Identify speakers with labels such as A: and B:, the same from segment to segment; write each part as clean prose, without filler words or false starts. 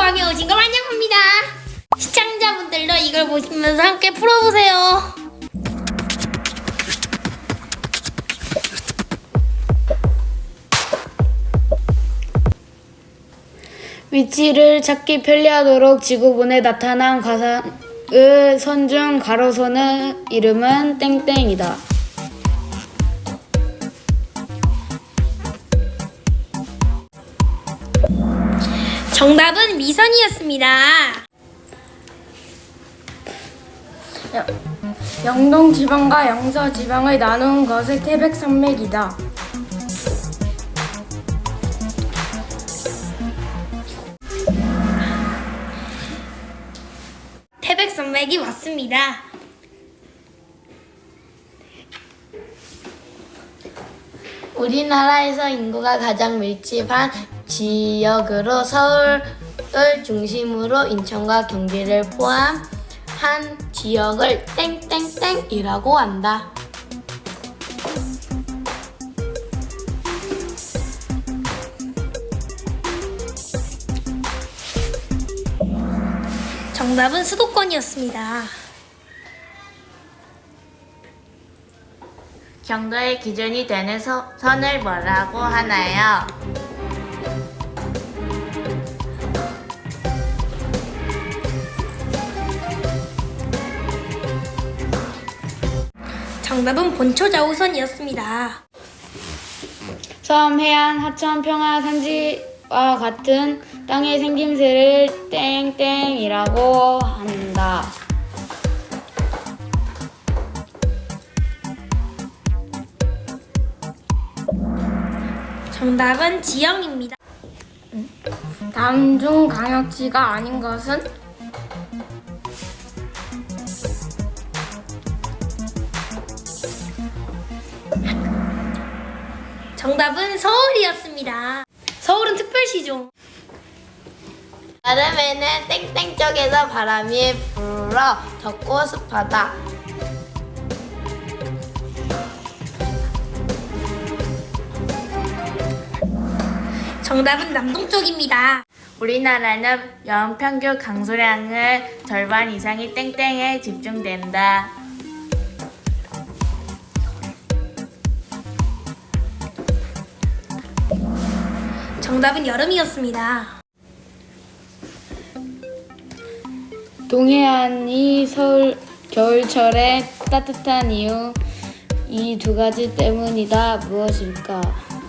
A: 방에 오신 걸 환영합니다. 시청자분들도 이걸 보시면서 함께 풀어보세요.
B: 위치를 찾기 편리하도록 지구본에 나타난 가상의 선 중 가로선의 이름은 땡땡이다.
A: 정답은 미선이었습니다.
C: 영동지방과 영서지방을 나눈 것을 태백산맥이다.
A: 태백산맥이 맞습니다.
B: 우리나라에서 인구가 가장 밀집한 지역으로 서울을 중심으로 인천과 경기를 포함한 지역을 땡땡땡이라고 한다.
A: 정답은 수도권이었습니다.
B: 경도의 기준이 되는 선을 뭐라고 하나요?
A: 정답은 본초좌우선이었습니다.
B: 섬, 해안, 하천, 평화, 산지와 같은 땅의 생김새를 땡땡이라고 한다.
A: 정답은 지형입니다.
C: 다음 중 광역지가 아닌 것은?
A: 정답은 서울이었습니다. 서울은 특별시죠.
B: 여름에는 땡땡 쪽에서 바람이 불어 덥고 습하다.
A: 정답은 남동쪽입니다.
B: 우리나라는 연평균 강수량의 절반 이상이 땡땡에 집중된다.
A: 정답은 여름이었습니다.
B: 동해안이 겨울철에 따뜻한 이유 이 두 가지 때문이다. 무엇일까?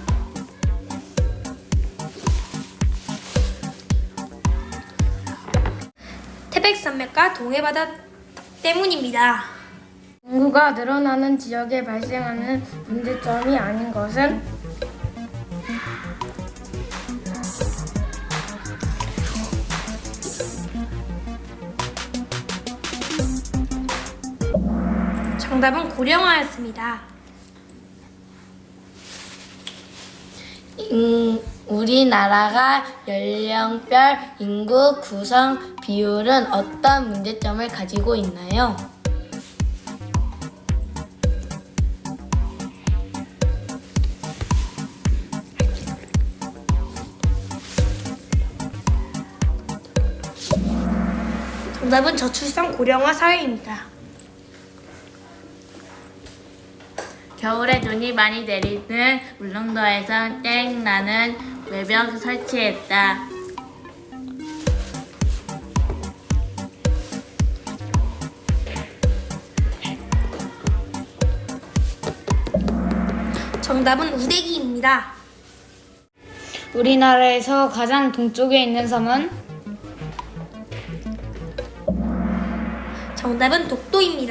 A: 태백산맥과 동해바다 때문입니다.
C: 인구가 늘어나는 지역에 발생하는 문제점이 아닌 것은?
A: 정답은 고령화였습니다.
B: 우리나라가 연령별 인구 구성 비율은 어떤 문제점을 가지고 있나요?
A: 정답은 저출산 고령화 사회입니다.
B: 겨울에 눈이 많이 내리는 울릉도에선 땡나는 외벽 설치했다.
A: 정답은 우대기입니다.
B: 우리나라에서 가장 동쪽에 있는 섬은?
A: 정답은 독도입니다.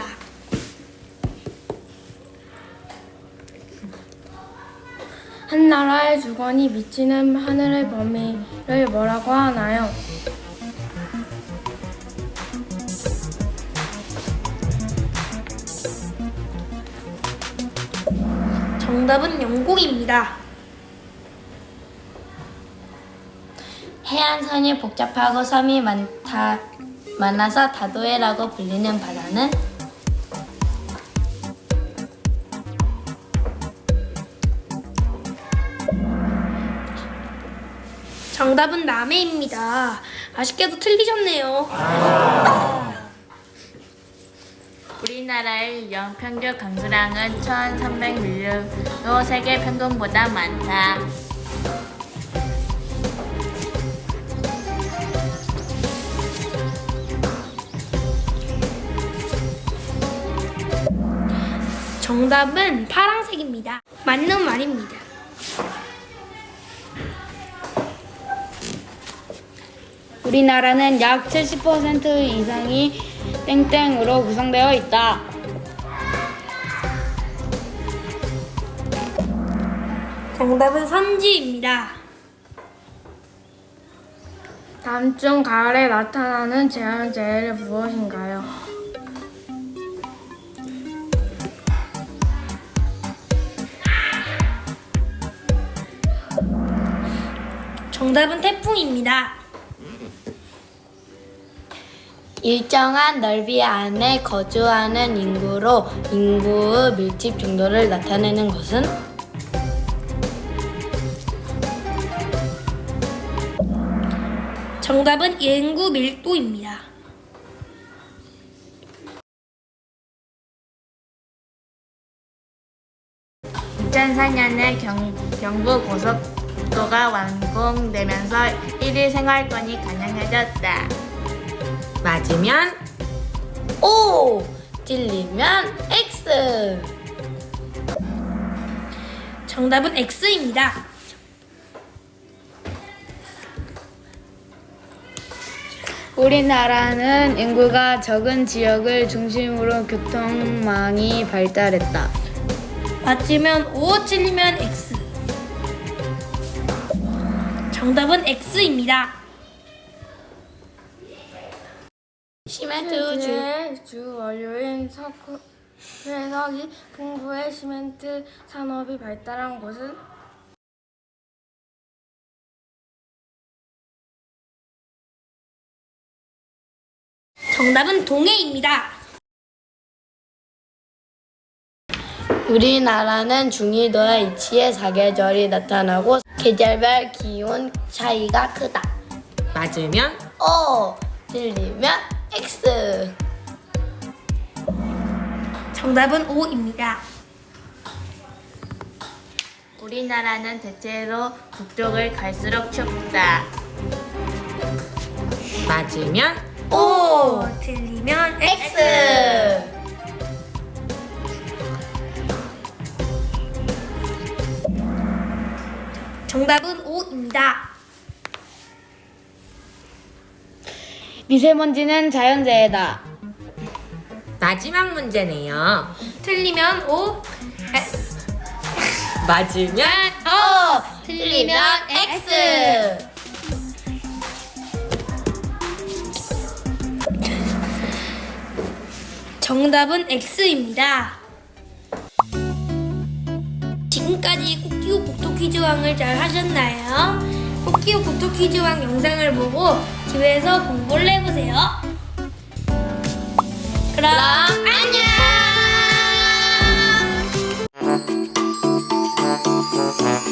C: 한 나라의 주권이 미치는 하늘의 범위를 뭐라고 하나요?
A: 정답은 영공입니다.
B: 해안선이 복잡하고 섬이 많아서 다도해라고 불리는 바다는?
A: 정답은 남해입니다. 아쉽게도 틀리셨네요.
D: 우리나라의 연평균 강수량은 1300mm로 세계 평균보다 많다.
A: 정답은 파란색입니다. 맞는 말입니다.
C: 우리나라는 약 70% 이상이 땡땡으로 구성되어 있다.
A: 정답은 선지입니다.
C: 다음 중 가을에 나타나는 자연재해는 무엇인가요?
A: 정답은 태풍입니다.
B: 일정한 넓이 안에 거주하는 인구로 인구의 밀집 정도를 나타내는 것은?
A: 정답은 인구 밀도입니다.
D: (2004) 년에 경부 고속도가 완공되면서 1일 생활권이 가능해졌다.
B: 맞으면 O, 틀리면 X.
A: 정답은 X입니다.
C: 우리나라는 인구가 적은 지역을 중심으로 교통망이 발달했다.
A: 맞으면 O, 틀리면 X. 정답은 X입니다.
B: 시멘트
C: 주 원료인 석회석이 풍부해 시멘트 산업이 발달한 곳은?
A: 정답은 동해입니다.
B: 우리나라는 중위도에 위치해 사계절이 나타나고 계절별 기온 차이가 크다. 맞으면 O, 틀리면 X.
A: 정답은 O입니다.
D: 우리나라는 대체로 북쪽을 갈수록 춥다.
B: 맞으면
A: O, 틀리면 X.
B: X.
A: 정답은 O입니다.
C: 미세먼지는 자연재해다.
B: 마지막 문제네요.
A: 틀리면 O,
B: 맞으면
A: O, 틀리면 X. 정답은 X입니다. 지금까지 코끼오 국토 퀴즈왕을 잘 하셨나요? 코끼오 국토 퀴즈왕 영상을 보고 집에서 공부를 해보세요. 그럼 안녕!